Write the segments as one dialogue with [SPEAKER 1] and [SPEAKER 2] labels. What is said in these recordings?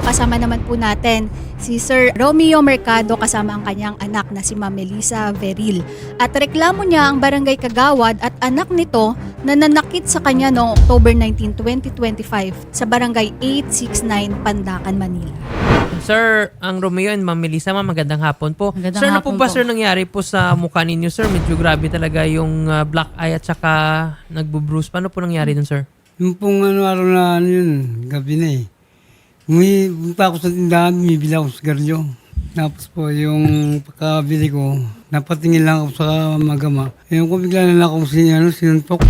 [SPEAKER 1] kasama naman po natin si Sir Romeo Mercado kasama ang kanyang anak na si Ma'am Melissa Veril. At reklamo niya ang Barangay Kagawad at anak nito na nanakit sa kanya noong October 19, 2025 sa Barangay 869, Pandacan, Manila.
[SPEAKER 2] Sir, ang Romeo and Ma'am Melissa, magandang hapon po.
[SPEAKER 3] Magandang
[SPEAKER 2] sir, ano po
[SPEAKER 3] hapon
[SPEAKER 2] ba
[SPEAKER 3] po.
[SPEAKER 2] sir nangyari po sa mukha ninyo, sir? Medyo grabe talaga yung black eye at saka nagbo-bruise. Paano po nangyari dun, sir?
[SPEAKER 4] Yung pong araw na yun, gabi na eh. Punta ako sa tindahan, bumibili ako sa sigarilyo. Tapos po yung pagkabili ko, napatingin lang ako sa magama. Yung ko bigla na lang akong sinuntok.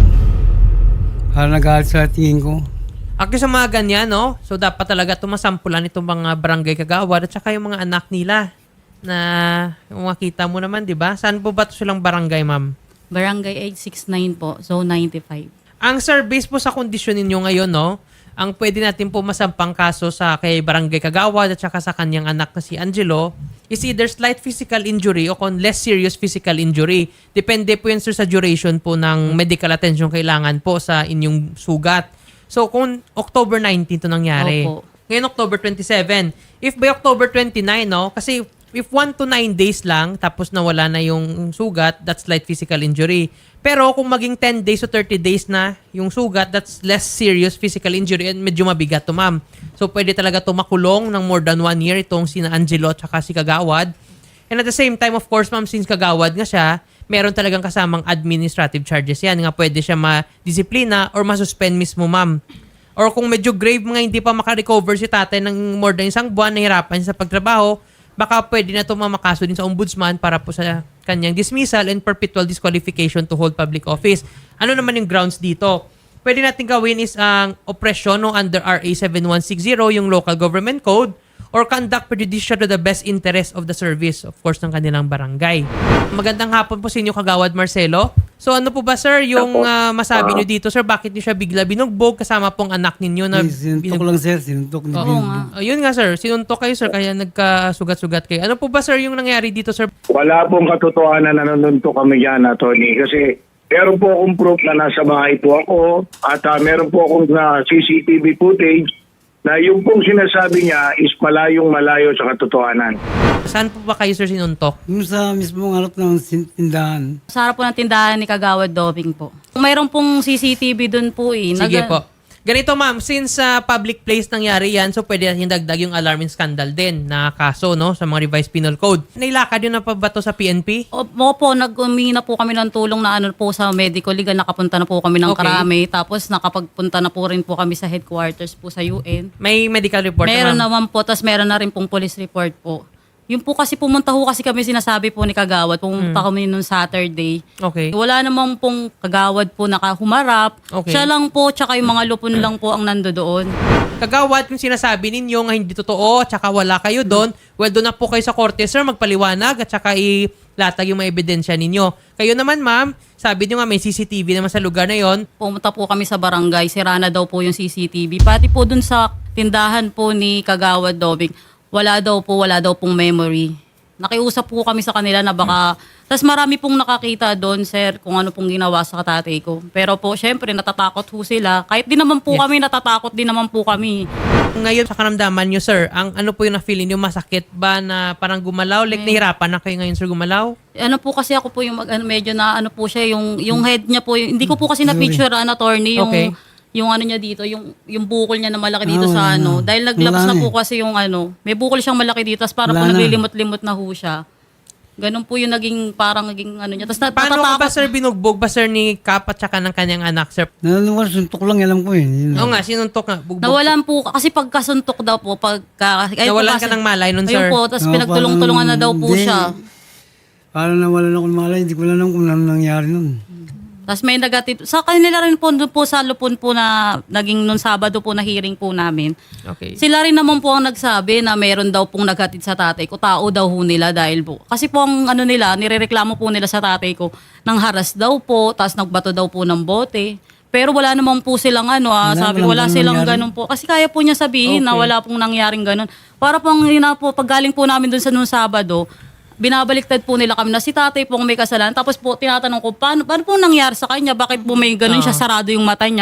[SPEAKER 4] Para nagalit sa tingin ko.
[SPEAKER 2] Actually sa mga ganyan, no? So dapat talaga tumasampulan itong mga barangay kagawad at saka yung mga anak nila na makita mo naman, di ba? Saan po ba ito silang barangay, ma'am?
[SPEAKER 3] Barangay 869 po, Zone 95.
[SPEAKER 2] Ang sir, based po sa kondisyon ninyo ngayon, no? Ang pwede natin po masampang kaso sa kay barangay kagawad at saka sa kanyang anak na si Angelo is either slight physical injury o kung less serious physical injury. Depende po yun, sir, sa duration po ng medical attention kailangan po sa inyong sugat. So, kung October 19 to nangyari.
[SPEAKER 3] Opo.
[SPEAKER 2] Ngayon, October 27. If by October 29, no? Kasi if 1 to 9 days lang, tapos nawala na yung sugat, that's slight physical injury. Pero kung maging 10 days o 30 days na yung sugat, that's less serious physical injury and medyo mabigat to, ma'am. So, pwede talaga tumakulong ng more than 1 year itong sina Angelo at saka si Kagawad. And at the same time, of course, ma'am, since Kagawad nga siya, meron talagang kasamang administrative charges yan. Nga pwede siya ma-disiplina or ma-suspend mismo, ma'am. Or kung medyo grave mga hindi pa makarecover si tatay ng more than isang buwan, nahirapan siya sa pagtrabaho, baka pwede na ito mamakaso din sa ombudsman para po sa kanyang dismissal and perpetual disqualification to hold public office. Ano naman yung grounds dito? Pwede natin gawin is ang oppression no, under RA 7160, yung local government code, or conduct prejudicial to the best interest of the service, of course, ng kanilang barangay. Magandang hapon po sa inyo, Kagawad Marcelo. So ano po ba, sir, yung masabi nyo dito, sir, bakit nyo siya bigla binugbog kasama pong anak ninyo na
[SPEAKER 4] Sinuntok lang sir, sinuntok na
[SPEAKER 3] Oo nga.
[SPEAKER 2] Ayun nga, sir, sinuntok kayo, sir, kaya nagkasugat-sugat kayo. Ano po ba, sir, yung nangyari dito, sir?
[SPEAKER 5] Wala pong katotohanan na nanuntok kami dyan, Tony. Kasi meron po akong proof na nasa bahay po ako at meron po akong CCTV footage na yung pong sinasabi niya is malayong-malayo sa katotohanan.
[SPEAKER 2] Saan po ba kayo, sir, sinuntok?
[SPEAKER 4] Yung sa mismong harap ng tindahan,
[SPEAKER 3] Sa harap po ng tindahan ni Kagawad Dobing po. Mayroon pong CCTV dun po eh.
[SPEAKER 2] Sige po. Ganito, ma'am, since public place nangyari yan, so pwede natin dagdag yung alarm and scandal din na kaso, no, sa mga revised penal code. Nailakad yun na pa ba to sa PNP?
[SPEAKER 3] Opo, nag-umingi na po kami ng tulong na ano po sa medical legal. Nakapunta na po kami ng
[SPEAKER 2] Okay.
[SPEAKER 3] Karame. Tapos nakapagpunta na po rin po kami sa headquarters po sa UN.
[SPEAKER 2] May medical report
[SPEAKER 3] Meron
[SPEAKER 2] na, ma'am?
[SPEAKER 3] naman po, tapos meron na rin pong police report po. Yung po kasi pumunta ho kasi kami sinasabi po ni Kagawad, pumunta kami nung Saturday.
[SPEAKER 2] Okay.
[SPEAKER 3] Wala namang pong Kagawad po nakahumarap.
[SPEAKER 2] Okay.
[SPEAKER 3] Siya lang po, tsaka yung mga lupon lang po ang nando doon.
[SPEAKER 2] Kagawad, yung sinasabi ninyo nga hindi totoo at saka wala kayo doon, well, doon na po kayo sa korte, sir, magpaliwanag at saka ilatag yung mga ebidensya ninyo. Kayo naman, ma'am, sabi niyo nga may CCTV naman sa lugar na yon.
[SPEAKER 3] Pumunta po kami sa barangay, sira na daw po yung CCTV. Pati po dun sa tindahan po ni Kagawad Dobing, wala daw pong memory. Nakiusap po kami sa kanila na baka... Tapos marami pong nakakita doon, sir, kung ano pong ginawa sa tatay ko. Pero po, syempre, natatakot ho sila. Kahit di naman po kami, natatakot din naman po kami.
[SPEAKER 2] Ngayon sa karamdaman nyo, sir, ang ano po yung na-feeling nyo, masakit ba na parang gumalaw? Like, nahirapan na kayo ngayon, sir, gumalaw?
[SPEAKER 3] Ano po kasi ako po yung medyo na ano po siya, yung head niya po. Hindi ko po kasi na-picture, attorney, yung...
[SPEAKER 2] Okay.
[SPEAKER 3] Yung ano niya dito, yung bukol niya na malaki dito sa ano. Dahil naglabas na po kasi yung ano, may bukol siyang malaki dito, tapos parang po
[SPEAKER 4] Wala na.
[SPEAKER 3] naglilimot-limot na ho siya. Ganun po yung naging ano niya. Tapos
[SPEAKER 2] Paano ka ba,
[SPEAKER 3] natatakot.
[SPEAKER 2] sir, binugbog ba, sir, ni Kap at saka ng kanyang anak, sir?
[SPEAKER 4] nanunuwar, suntok lang, alam ko yun.
[SPEAKER 2] Oo nga, sinuntok nga. Bugbog.
[SPEAKER 3] Nawalan po, kasi pagkasuntok daw po,
[SPEAKER 2] Nawalan ka ng malay nun, sir?
[SPEAKER 3] Ayun po, tapos
[SPEAKER 4] Oo,
[SPEAKER 3] pinagtulong-tulungan na daw po
[SPEAKER 4] hindi.
[SPEAKER 3] siya.
[SPEAKER 4] Parang nawalan ako ng malay, hindi ko alam kung ano nangyari nun.
[SPEAKER 3] Tapos may negative. Sa kanila rin po, doon po sa lupon po na naging nung Sabado po na hearing po namin.
[SPEAKER 2] Okay.
[SPEAKER 3] Sila rin naman po ang nagsabi na meron daw pong naghatid sa tatay ko. Tao daw ho nila dahil po. Kasi po ang ano nila, nirereklamo po nila sa tatay ko ng haras daw po, tapos nagbato daw po ng bote. Pero wala naman po silang ano, sabi wala
[SPEAKER 4] walang
[SPEAKER 3] silang
[SPEAKER 4] nangyari.
[SPEAKER 3] ganun po. Kasi kaya po niya sabihin na
[SPEAKER 2] Okay.
[SPEAKER 3] wala pong nangyaring ganun. Para pong pag galing po namin dun sa nung Sabado, binabaliktad po nila kami na si tatay po ang may kasalanan. Tapos po tinatanong ko, paano po nangyari sa kanya? Bakit po may ganun siya, sarado yung mata niya?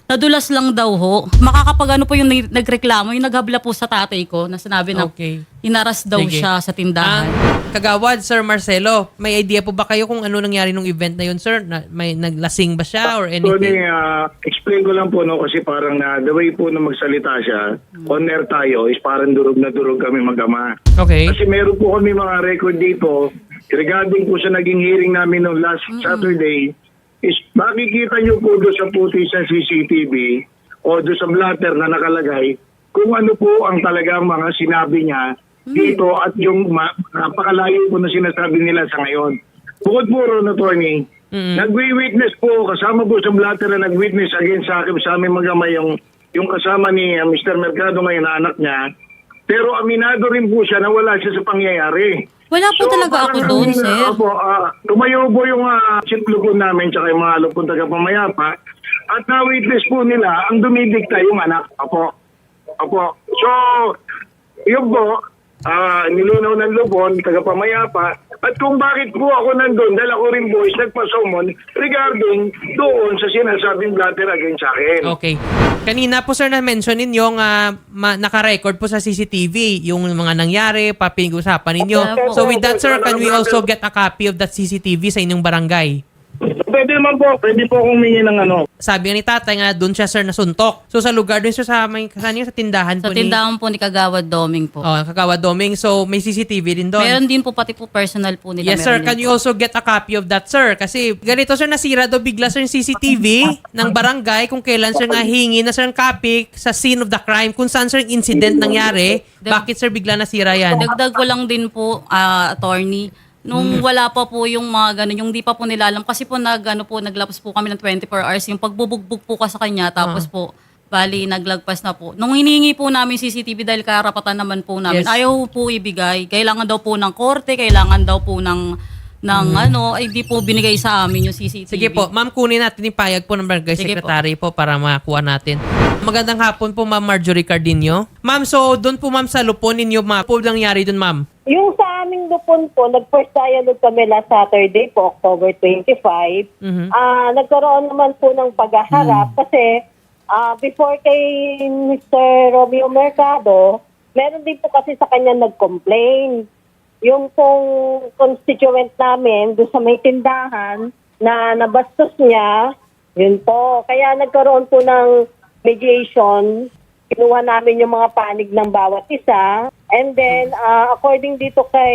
[SPEAKER 3] nadulas lang daw ho. Makakapag ano po yung nagreklamo, yung naghabla po sa tatay ko na sinabi na
[SPEAKER 2] Okay.
[SPEAKER 3] inaras daw
[SPEAKER 2] Sige.
[SPEAKER 3] siya sa tindahan.
[SPEAKER 2] Kagawad, Sir Marcelo, may idea po ba kayo kung ano nangyari nung event na yun, sir? May naglasing ba siya or
[SPEAKER 5] Tony,
[SPEAKER 2] anything?
[SPEAKER 5] explain ko lang po, no, kasi parang the way po na magsalita siya, on air tayo, is parang durog na durog kami mag-ama.
[SPEAKER 2] Okay.
[SPEAKER 5] Kasi meron po kami mga record dito regarding po sa naging hearing namin noong last Saturday, is makikita nyo po doon sa footage ng CCTV o doon sa blatter na nakalagay kung ano po ang talagang mga sinabi niya dito at yung napakalayo po na sinasabi nila sa ngayon. Bukod po ron, Tony, nagwi-witness po, kasama po sa blatter na nag-witness against sa akin, sa aming mag-ama yung kasama ni Mr. Mercado ngayon na anak niya. Pero aminado rin po siya na wala siya sa pangyayari.
[SPEAKER 3] Wala po talaga ako doon, sir.
[SPEAKER 5] Opo, tumayo po yung siklubon namin tsaka yung mga lupon taga-pamayapa at na-witness po nila ang dumidikta yung anak. Opo. So, yun po, nilinaw ng lupon, taga-pamayapa. At kung bakit po ako nandun, dahil ako rin po is nagpasomon regarding doon sa sinasabing blatter against sa akin.
[SPEAKER 2] Okay. Kanina po, sir, na-mention ninyo naka-record po sa CCTV yung mga nangyari, papinag-usapan ninyo.
[SPEAKER 3] Opo.
[SPEAKER 2] So with that, sir, can we also get a copy of that CCTV sa inyong barangay?
[SPEAKER 5] Pwede naman po, pwede po akong humingi ng ano.
[SPEAKER 2] Sabi nga ni tatay nga doon siya, sir, nasuntok. So sa lugar doon, sir, sa tindahan
[SPEAKER 3] Sa
[SPEAKER 2] po
[SPEAKER 3] tindahan po ni Kagawad Doming po.
[SPEAKER 2] Kagawad Doming. So may CCTV din doon.
[SPEAKER 3] Meron din po pati po personal po nila.
[SPEAKER 2] Yes, sir.
[SPEAKER 3] meron
[SPEAKER 2] Can
[SPEAKER 3] din
[SPEAKER 2] you
[SPEAKER 3] po.
[SPEAKER 2] also get a copy of that, sir? Kasi ganito, sir, nasira daw bigla, sir, yung CCTV ng barangay kung kailan, sir, nga hingi na, sir, ang copy sa scene of the crime. Kung saan, sir, yung incident nangyari. Bakit, sir, bigla nasira yan?
[SPEAKER 3] Dagdag ko lang din po, attorney, nung wala pa po yung mga ganun, yung di pa po nila alam, kasi po naglapos po kami ng 24 hours, yung pagbubugbog po ka sa kanya, tapos po, bali, naglagpas na po. Nung hiningi po namin CCTV dahil karapatan naman po namin,
[SPEAKER 2] Yes.
[SPEAKER 3] ayaw po ibigay. Kailangan daw po ng korte, kailangan daw po ng ay di po binigay sa amin yung CCTV.
[SPEAKER 2] Sige po, ma'am, kunin natin yung payag po ng barangay
[SPEAKER 3] Sige
[SPEAKER 2] secretary po para makakuha natin. Magandang hapon po, ma'am Marjorie Cardinio. Ma'am, so doon po, ma'am, sa lupon ninyo, ma'am, po nangyari doon, ma'am?
[SPEAKER 6] Yung sa aming lupon po, nag-first dialogue kami last Saturday po, October 25. Nagkaroon naman po ng paghaharap kasi before kay Mr. Romeo Mercado, meron din po kasi sa kanya nag-complain. Yung pong constituent namin doon sa may tindahan na nabastos niya, yun po. Kaya nagkaroon po ng mediation. Kinuha namin yung mga panig ng bawat isa. And then, according dito kay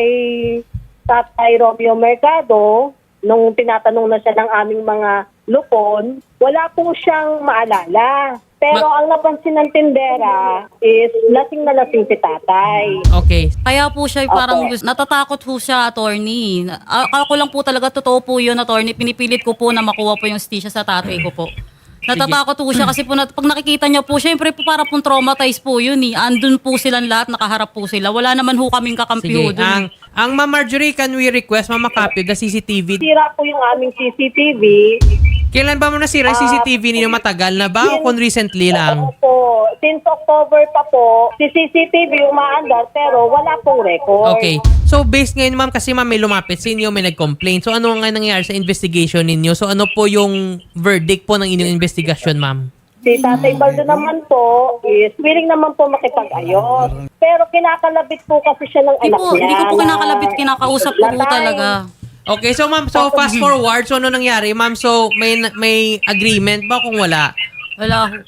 [SPEAKER 6] Tatay Romeo Mercado, nung tinatanong na siya ng aming mga lupon, wala po siyang maalala. Pero ang napansin ng tindera is lasing na lasing si tatay.
[SPEAKER 2] Okay.
[SPEAKER 3] Kaya po siya parang natatakot po siya, attorney. Akala ko lang po talaga totoo po yun, attorney. Pinipilit ko po na makuha po yung stisya sa tatay ko po. Natatakot po siya kasi po pag nakikita niya po, syempre po para pong traumatized po yun eh. Andun po silang lahat, nakaharap po sila. Wala naman ho kaming kakampi ho
[SPEAKER 2] Sige.
[SPEAKER 3] dun.
[SPEAKER 2] Ang Ma'am Marjorie, can we request, ma'am, makopy the CCTV?
[SPEAKER 6] Sira po yung aming CCTV.
[SPEAKER 2] Kailan ba mo nasira yung CCTV ninyo? Matagal na ba o kung recently lang?
[SPEAKER 6] Opo, since October pa po, si CCTV umaandar pero wala pong record.
[SPEAKER 2] Okay. So, based ngayon, ma'am, kasi ma'am may lumapit sa inyo, may nag-complain. So, ano nga nangyayari sa investigation ninyo? So, ano po yung verdict po ng inyong investigation, ma'am?
[SPEAKER 6] Si Tatay Baldo naman po is willing naman po makipag-ayos. Pero kinakalabit po kasi siya ng anak niya.
[SPEAKER 3] Hindi ko po kinakalabit, kinakausap ko po
[SPEAKER 6] Latay.
[SPEAKER 3] talaga.
[SPEAKER 2] Okay, so ma'am, so fast forward, so ano nangyari, ma'am? So, may agreement ba kung wala?
[SPEAKER 3] Wala ho.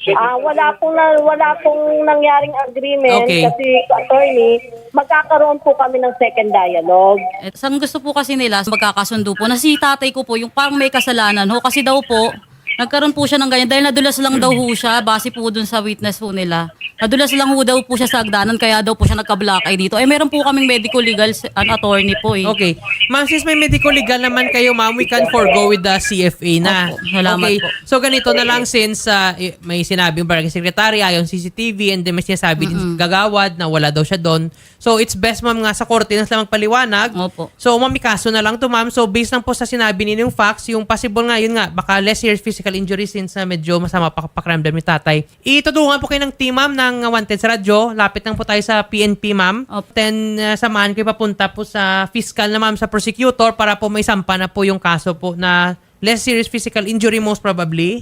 [SPEAKER 6] Wala pong nangyaring agreement
[SPEAKER 2] Okay.
[SPEAKER 6] kasi attorney, magkakaroon po kami ng second dialogue.
[SPEAKER 3] Ang gusto po kasi nila, magkakasundo po, na si tatay ko po, yung parang may kasalanan ho, kasi daw po, nagkaroon po siya ng ganyan, dahil nadulas lang daw ho siya, base po dun sa witness po nila. Nadulas lang ho daw po siya sa hagdanan, kaya daw po siya nagka-black eye dito. Meron po kaming medical legal attorney po eh.
[SPEAKER 2] Okay. Ma'am, since may medical legal naman kayo, ma'am, we can forgo with the CFA na.
[SPEAKER 3] Opo, salamat
[SPEAKER 2] Okay.
[SPEAKER 3] po.
[SPEAKER 2] So, ganito na lang since may sinabi yung barangay secretary, ayon CCTV, and then may sinasabi din gagawad na wala daw siya doon. So, it's best, ma'am, nga sa korte na sila magpaliwanag.
[SPEAKER 3] Opo.
[SPEAKER 2] So, ma'am, may kaso na lang to, ma'am. So, based lang po sa sinabi ninyo yung facts, yung possible nga, yun nga, baka less serious physical injury since medyo masama pakiramdam ni tatay. Itutulungan po kayo ng team, ma'am, ng Wanted sa radyo. Lapit lang po tayo sa PNP, ma'am.
[SPEAKER 3] Opo.
[SPEAKER 2] Then, samahan kayo papunta po sa fiscal na, ma'am, sa prosecutor para po may sampa na po yung kaso po na less serious physical injury most probably.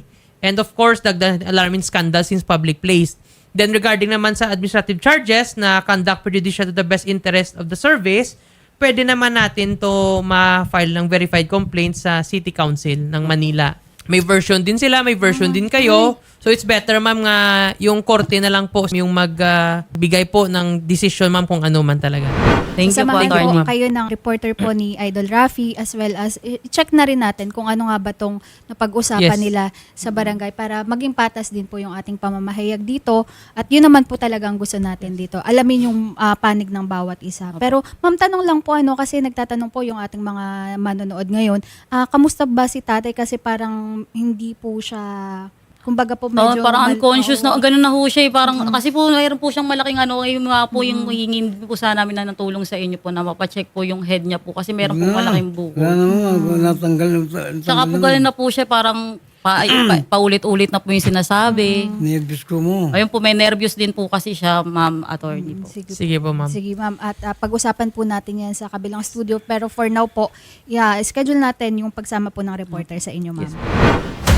[SPEAKER 2] And of course, the alarming scandal since public place. Then regarding naman sa administrative charges na conduct prejudicial to the best interest of the service, pwede naman natin to ma-file ng verified complaint sa City Council ng Manila. May version din sila, may version din kayo. So it's better ma'am nga yung korte na lang po yung magbigay po ng decision ma'am kung ano man talaga.
[SPEAKER 3] Thank you po,
[SPEAKER 1] Samahan
[SPEAKER 3] attorney.
[SPEAKER 1] po kayo ng reporter po ni Idol Rafi as well as i-check na rin natin kung ano nga ba tong napag-usapan
[SPEAKER 2] Yes.
[SPEAKER 1] nila sa barangay para maging patas din po yung ating pamamahayag dito. At yun naman po talaga ang gusto natin dito. Alamin yung panig ng bawat isa. Pero ma'am, tanong lang po kasi nagtatanong po yung ating mga manonood ngayon. Kamusta ba si tatay kasi parang hindi po siya, kumbaga po medyo
[SPEAKER 3] Parang unconscious na, ganun na ho siya. Parang,
[SPEAKER 1] Mm-hmm.
[SPEAKER 3] kasi po, mayroon po siyang malaking yung nga po yung hingin po sana namin na natulong sa inyo po na mapacheck po yung head niya po kasi meron po malaking buko.
[SPEAKER 4] Wala naman, natanggal.
[SPEAKER 3] Tsaka po ganun na po siya, parang paulit-ulit na po yung sinasabi.
[SPEAKER 4] Nervous ko mo.
[SPEAKER 3] Ayun po, may nervous din po kasi siya, ma'am attorney po.
[SPEAKER 2] Sige po ma'am.
[SPEAKER 1] Sige ma'am, at pag-usapan po natin yan sa kabilang studio. Pero for now po, schedule natin yung pagsama po ng reporter sa inyo ma'am.